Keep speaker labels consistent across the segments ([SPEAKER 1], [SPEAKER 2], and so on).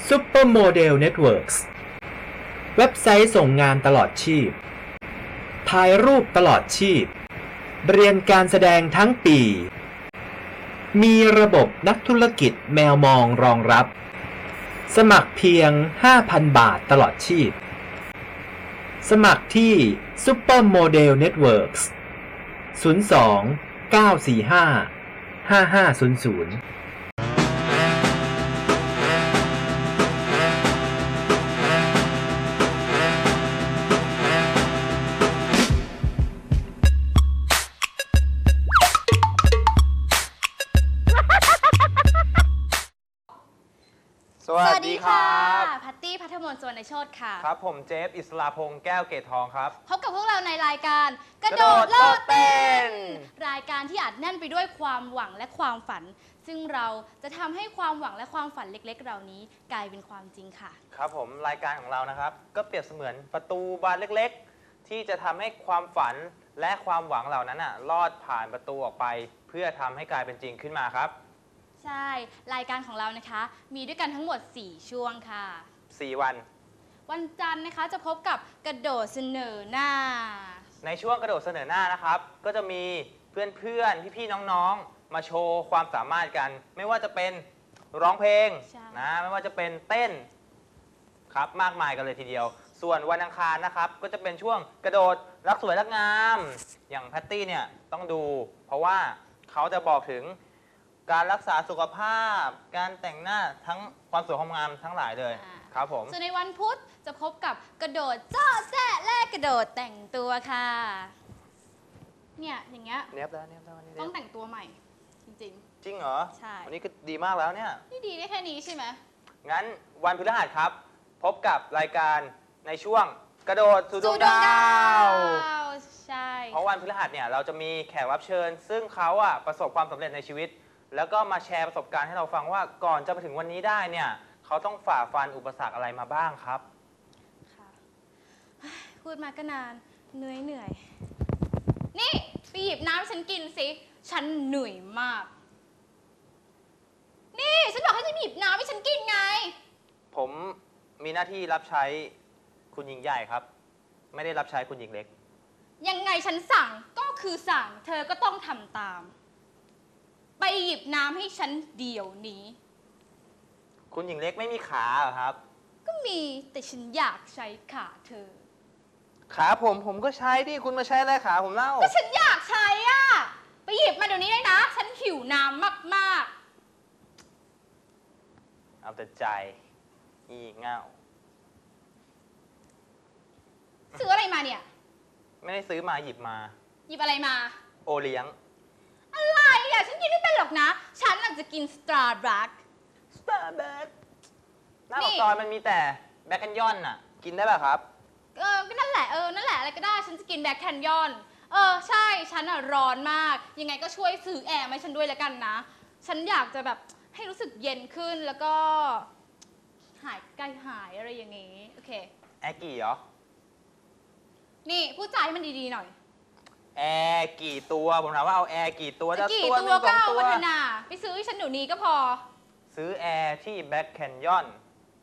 [SPEAKER 1] Supermodel Networks เว็บไซต์ส่งงานตลอดชีพถ่ายรูปตลอดชีพเรียนการแสดงทั้งปีมีระบบนักธุรกิจแมวมองรองรับสมัครเพียง 5,000 บาทตลอดชีพสมัครที่ Supermodel Networks 02 945 5500
[SPEAKER 2] สวัสดีครับ
[SPEAKER 3] พัตตี้พัทมนต์ สุวรรณโชติค่ะ
[SPEAKER 2] ครับผมเจฟอิสลาพงษ์แก้วเกตทองครับ
[SPEAKER 3] พบกับพวกเราในรายการกระโดดโลดเต้นรายการที่อัดแน่นไปด้วยความหวังและความฝันซึ่งเราจะทำให้ความหวังและความฝันเล็กๆเหล่านี้กลายเป็นความจริงค่ะ
[SPEAKER 2] ครับผมรายการของเรานะครับก็เปรียบเสมือนประตูบานเล็กๆที่จะทำให้ความฝันและความหวังเหล่านั้นลอดผ่านประตูออกไปเพื่อทำให้กลายเป็นจริงขึ้นมาครับ
[SPEAKER 3] ใช่รายการของเรานะคะมีด้วยกันทั้งหมด4ช่วงค่ะ
[SPEAKER 2] 4วัน
[SPEAKER 3] วันจันทร์นะคะจะพบกับกระโดดเสนอหน้า
[SPEAKER 2] ในช่วงกระโดดเสนอหน้านะครับก็จะมีเพื่อนๆพี่ๆน้องๆมาโชว์ความสามารถกันไม่ว่าจะเป็นร้องเพลงนะไม่ว่าจะเป็นเต้นครับมากมายกันเลยทีเดียวส่วนวันอังคารนะครับก็จะเป็นช่วงกระโดดรักสวยรักงามอย่างแพตตี้เนี่ยต้องดูเพราะว่าเขาจะบอกถึงการรักษาสุขภาพการแต่งหน้าทั้งความสวยความงามทั้งหลายเลยครับผม
[SPEAKER 3] ส่วนในวันพุธจะพบกับกระโดดจ้อแจ๊แลกกระโดดแต่งตัวค่ะเนี่ยอย่างเงี้ย
[SPEAKER 2] เนี้ยบแล้ว
[SPEAKER 3] ต้องแต่งตัวใหม่จริง
[SPEAKER 2] ๆจริงเหรอ
[SPEAKER 3] ใช่
[SPEAKER 2] วันนี้ก็ดีมากแล้วเนี่ย
[SPEAKER 3] นี่ดีได้แค่นี้ใช่ไหม
[SPEAKER 2] งั้นวันพฤหัสครับพบกับรายการในช่วงกระโดดสู่ดวงดาว
[SPEAKER 3] ใช่
[SPEAKER 2] เพราะวันพฤหัสเนี่ยเราจะมีแขกรับเชิญซึ่งเขาประสบความสำเร็จในชีวิตแล้วก็มาแชร์ประสบการณ์ให้เราฟังว่าก่อนจะมาถึงวันนี้ได้เนี่ยเขาต้องฝ่าฟันอุปสรรคอะไรมาบ้างครับ
[SPEAKER 3] ค่ะพูดมาก็นานเหนื่อยนี่ไปหยิบน้ำให้ฉันกินสิฉันเหนื่อยมากนี่ฉันบอกให้ฉันหยิบน้ำให้ฉันกินไง
[SPEAKER 2] ผมมีหน้าที่รับใช้คุณหญิงใหญ่ครับไม่ได้รับใช้คุณหญิงเล็ก
[SPEAKER 3] ยังไงฉันสั่งก็คือสั่งเธอก็ต้องทำตามไปหยิบน้ำให้ฉันเดี๋ยวนี้
[SPEAKER 2] คุณหญิงเล็กไม่มีขาเหรอครับ
[SPEAKER 3] ก็มีแต่ฉันอยากใช้ขาเธอ
[SPEAKER 2] ขาผมก็ใช้ดิคุณมาใช้อะไรขาผมเล่า
[SPEAKER 3] ก็ฉันอยากใช้ไปหยิบมาเดี๋ยวนี้เลยนะฉันหิวน้ำมาก
[SPEAKER 2] ๆเอาแต่ใจอีเง่า
[SPEAKER 3] ซื้ออะไรมาเนี่ย
[SPEAKER 2] ไม่ได้ซื้อมาหยิบมา
[SPEAKER 3] หยิบอะไรมา
[SPEAKER 2] โอเลี้ยง
[SPEAKER 3] อะไรฉันกินไม่เป็นหรอกนะฉันอาจจะกินสตาร์บัค
[SPEAKER 2] หน้าปากซอยมันมีแต่แบล็คแคนยอนกินได้ป่ะครับ
[SPEAKER 3] ก็นั่นแหละนั่นแหละอะไรก็ได้ฉันจะกินแบล็คแคนยอนใช่ฉันร้อนมากยังไงก็ช่วยซื้อแอร์ให้ฉันด้วยแล้วกันนะฉันอยากจะแบบให้รู้สึกเย็นขึ้นแล้วก็หายใกล้หายอะไรอย่างงี้โอเค
[SPEAKER 2] แอร์กี่เหรอ
[SPEAKER 3] นี่พูดจาให้มันดีๆหน่อย
[SPEAKER 2] แอร์กี่ตัวผมถามว่าเอาแอร์กี่ตัวจะ
[SPEAKER 3] กี่ตัวก็เอาวัฒนาไปซื้อให้ฉันเดี๋ยวนี้ก็พอ
[SPEAKER 2] ซื้อแอร์ที่แบล็คแคนยอน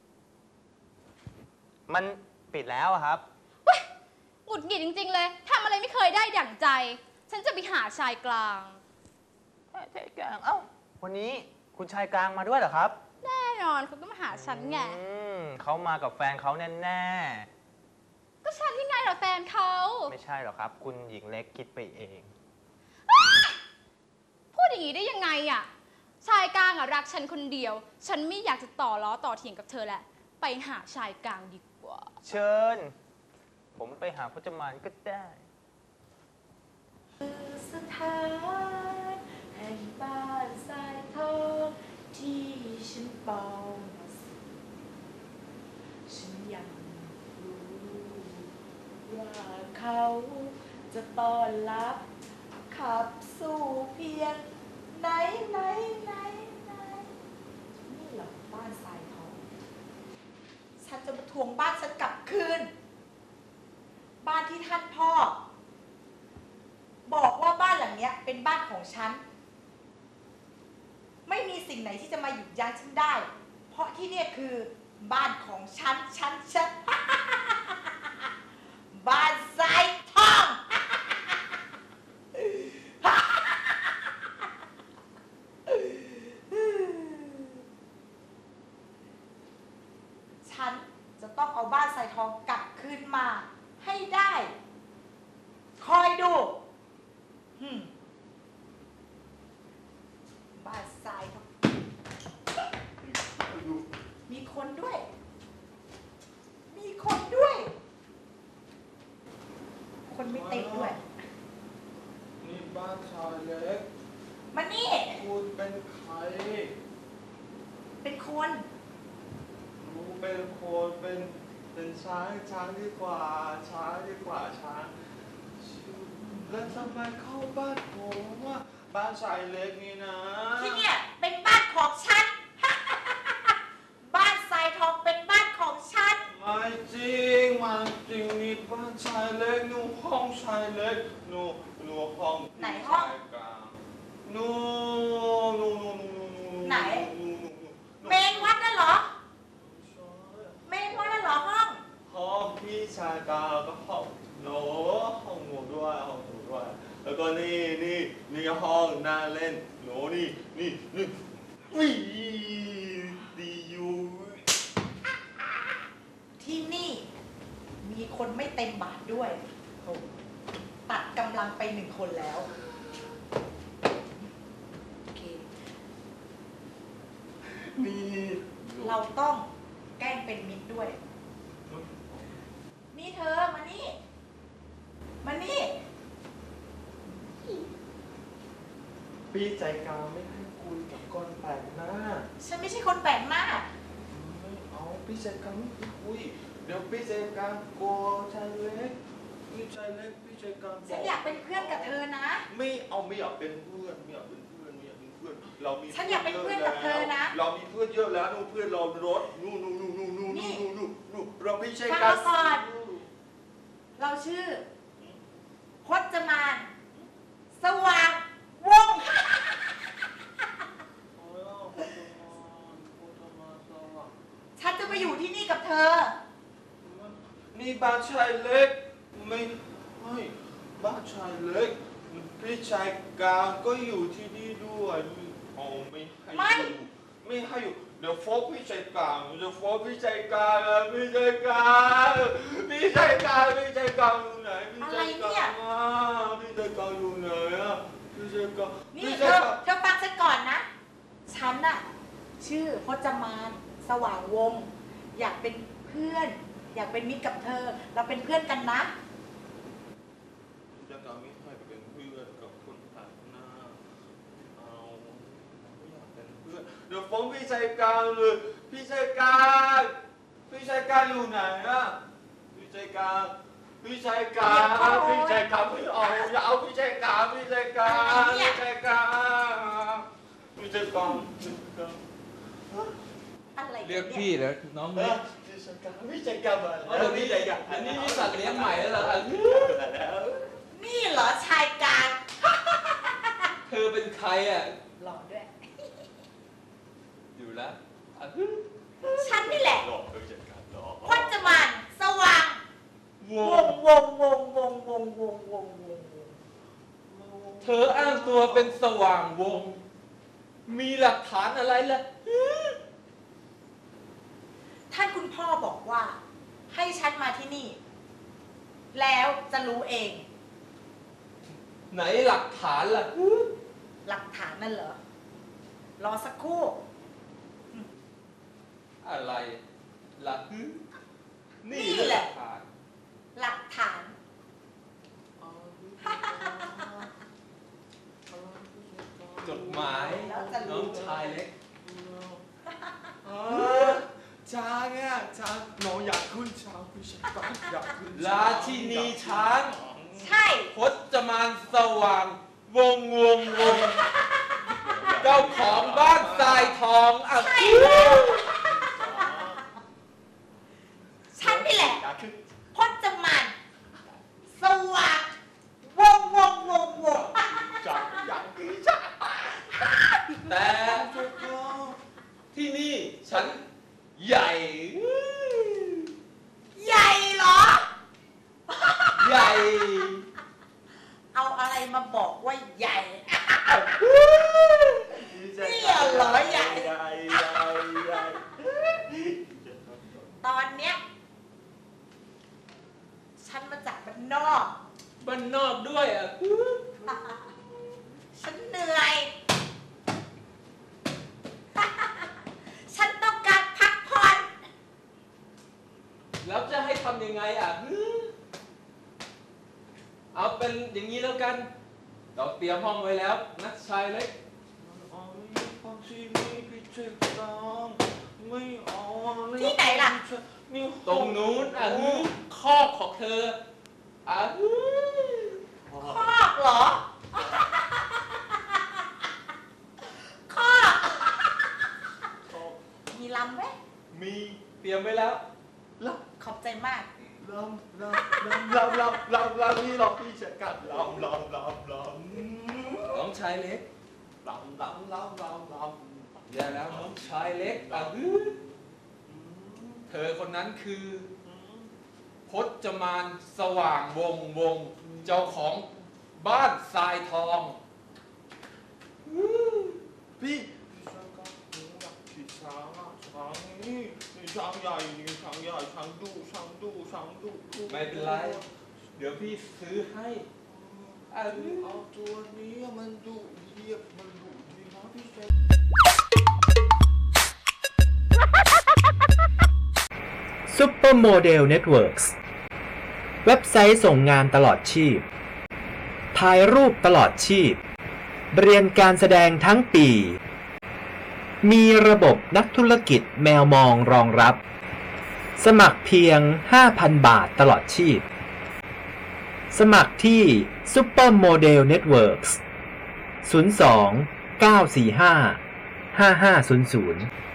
[SPEAKER 2] มันปิดแล้วครับ
[SPEAKER 3] หงุดหงิดจริงๆเลยทำอะไรไม่เคยได้อย่างใจฉันจะไปหาชายกลาง
[SPEAKER 2] ชายกลางวันนี้คุณชายกลางมาด้วยเหรอครับ
[SPEAKER 3] แน่นอนเขาก็มาหาฉันไง
[SPEAKER 2] เขามากับแฟนเขาแน่
[SPEAKER 3] ก็ฉันที่ไงเหรอแฟนเขา
[SPEAKER 2] ไม่ใช่หรอกครับคุณหญิงเล็กคิดไปเอง
[SPEAKER 3] พูดอย่างนี้ได้ยังไงชายกลางรักฉันคนเดียวฉันไม่อยากจะต่อล้อต่อเถียงกับเธอแหละไปหาชายกลางดีกว่า
[SPEAKER 2] เชิญผมไปหาพจมานก็ได้
[SPEAKER 4] สถานแห่งบ้านทรายทองที่ฉันเป่าฉันยังรู้ว่าเขาจะต้อนรับขับสู่เพียงไหนนี่เหรอบ้านทรายทองฉันจะมาทวงบ้านฉันกลับคืนบ้านที่ท่านพ่อบอกว่าบ้านหลังนี้เป็นบ้านของฉันไม่มีสิ่งไหนที่จะมาหยุดยั้งฉันได้เพราะที่นี่คือบ้านของฉัน บ้านทรายทอง ฉันจะต้องเอาบ้านทรายทองกลับคืนมาให้ได้ คอยดูบ้านทรายทองมีคนด้วย คนไม่เต็มด้วย
[SPEAKER 5] นี่บ้านชายเล็ก
[SPEAKER 4] มานี่
[SPEAKER 5] คุณเป็นใคร
[SPEAKER 4] เป็นคน
[SPEAKER 5] รู้เป็นคนเป็นช้างดีกว่าช้างแล้วทำไมเข้าบ้านผมว่าบ้านชายเล็กนี่นะ
[SPEAKER 4] ที่เนี่ยเป็นบ้านของฉัน บ้านทรายทองเป็นบ้านของฉัน
[SPEAKER 5] ไม่จริงนี่บ้านชายเล็กหนูห้องชายเล็กหนูห้อง
[SPEAKER 4] ไหนห้อง
[SPEAKER 5] ชายกลางหนู
[SPEAKER 4] ไหน เมนวัดนั่นเหรอ เมนวัดนั่นเหรอห้อง
[SPEAKER 5] ห้องพี่ชายกลางก็ห้องหนูห้องหนูด้วย แล้วก็นี่ห้องนั่งเล่นหนูนี่วิดีอยู่
[SPEAKER 4] ที่นี่ มีคนไม่เต็มบาทด้วย ตัดกำลังไป1 คนแล้ว โอเค
[SPEAKER 5] นี่
[SPEAKER 4] เราต้องแกล้งเป็นมิตรด้วย นี่เธอ มานี่
[SPEAKER 5] พี่ใจกลางไม่ให้คุยกับคนแปลกหน้า
[SPEAKER 4] ฉันไม่ใช่คนแปลกหน้า
[SPEAKER 5] ไม่เอาพี่ใจกลางไม่ให้คุยเดี๋ยวพี่ใจกลางกลัวชายเล็กพี่ใจกลาง
[SPEAKER 4] ฉันอยากเป็นเพื่อนกับเธอนะ
[SPEAKER 5] ไม่อยากเป็นเพื่อนเรามี
[SPEAKER 4] ฉันอยากเป็นเพื่อนกับเธอนะ
[SPEAKER 5] เรามีเพื่อนเยอะแล้วเพื่อนเรารถนู่เราพี่ใจ
[SPEAKER 4] ฟัง
[SPEAKER 5] กลาง
[SPEAKER 4] เราก่อน เราชื่อพจมาน สว่างวงศ์ ฉันจะมาอยู่ที่นี่กับเธอ
[SPEAKER 5] นี่บ้านชายเล็กไม่บ้านชายเล็กพี่ชายกลางก็อยู่ที่นี่ด้วยไม่ให้อยู่เดี๋ยวฟ้องพี่ชายกลางพี่ชายกลางอยู่ไหนพี่ชายกลางอยู่ไหนพี่ชายกลาง
[SPEAKER 4] นี่เธอฟังฉันก่อนนะ ฉันน่ะชื่อพจมาน สว่างวงศ์อยากเป็นเพื่อน อยากเป็นมิตรกับเธอ เราเป็นเพื่อนกันนะ
[SPEAKER 5] พี่ชายกลางไม่ให้เป็นเพื่อนกับคนแปลกหน้าไม่อยากเป็นเพื่อนเดี๋ยวฟ้องพี่ชายกลางเลยพี่ชายกลางอยู่ไหนพี่ชายกลางไม่เอาอย่าเอาพี่ชายกลางพี่ชายกลาง
[SPEAKER 4] อะไร
[SPEAKER 6] เรียกพี่แล้วน้องมิก
[SPEAKER 5] พี่ชายกลางมา
[SPEAKER 6] เดี๋ยวนี้มีสัตว์เลี้ยงใหม่แล้วเหรอ
[SPEAKER 4] นี่เหรอชายกลาง
[SPEAKER 6] เธอเป็นใครอ่ะ
[SPEAKER 4] หล่อด้วย
[SPEAKER 6] อยู่แล้ว
[SPEAKER 4] ฉันนี่แหละ
[SPEAKER 5] หลอกพี่ชายกลางหลอก
[SPEAKER 4] พจมาน สว่าง
[SPEAKER 5] ว
[SPEAKER 4] วง
[SPEAKER 6] เธออ้างตัวเป็นสว่างวง มีหลักฐานอะไรล่ะ
[SPEAKER 4] ท่านคุณพ่อบอกว่า ให้ฉันมาที่นี่ แล้วจะรู้เอง
[SPEAKER 6] ไหนหลักฐานล่ะ
[SPEAKER 4] หลักฐานนั่นเหรอ รอสักครู่
[SPEAKER 6] อะไรล่ะนี่
[SPEAKER 4] นี่แหละ
[SPEAKER 6] ฐาน
[SPEAKER 4] หลักฐาน
[SPEAKER 6] จดหมาย
[SPEAKER 4] แล้วจะรู้
[SPEAKER 6] น้องชายเล็ก
[SPEAKER 5] ช้างน้องอยากขึ้นช้างพี่ชายกลางอยากขึ้น
[SPEAKER 6] ราชินีช้าง
[SPEAKER 4] ใช่
[SPEAKER 6] พจมานสว่าง วง เจ้าของบ้านทรายทองอ่ะ
[SPEAKER 4] ใช่แล้ว ฉันนี่แหละ
[SPEAKER 5] อยากขึ้น
[SPEAKER 4] พจมาน สว่างวง
[SPEAKER 5] อยากขึ้นช้าง
[SPEAKER 6] แต่ที่นี่ฉันใหญ่บ้านนอกด้วยอ่ะ
[SPEAKER 4] ฉันเหนื่อย ฉันต้องการพักผ่อน
[SPEAKER 6] แล้วจะให้ทำยังไงอ่ะ เอาเป็นอย่างนี้แล้วกัน เราเตรียมห้องไว้แล้วนักชายเล็ก
[SPEAKER 5] เอาไม่ฟังสินี่พี่เจ็บตามไม่เอา
[SPEAKER 4] ที่ไหนล่ะ
[SPEAKER 5] นี่
[SPEAKER 6] ตรงนู้นอ่ะคอกของเธออ่ะ
[SPEAKER 4] คอกเหรอ คอกมีลำไหม
[SPEAKER 6] มีเตรียมไว้แล้ว
[SPEAKER 4] ขอบใจมาก
[SPEAKER 5] ลำนี่เราพี่จะกัดลำ
[SPEAKER 6] น้องชายเล็ก
[SPEAKER 5] ลำ
[SPEAKER 6] อย่าแล้วน้องชายเล็กอ่ะเธอคนนั้นคือพจมานสว่างวงเจ้าของบ้านทรายทอง
[SPEAKER 5] พี่ช้างกับหนูอยากขี่ช้างนี่ช้างใหญ่ช้างดุ
[SPEAKER 6] ไม่เป็นไร เดี๋ยวพี่ซื้อให้อ่ะ
[SPEAKER 5] เอาตัวนี้มันดุเรียบมันดุดีนะพี่เจ็บ
[SPEAKER 1] Supermodel Networks เว็บไซต์ส่งงานตลอดชีพ ถ่ายรูปตลอดชีพ เรียนการแสดงทั้งปี มีระบบนักธุรกิจแมวมองรองรับ สมัครเพียง 5,000 บาทตลอดชีพ สมัครที่ Supermodel Networks 02 945 5500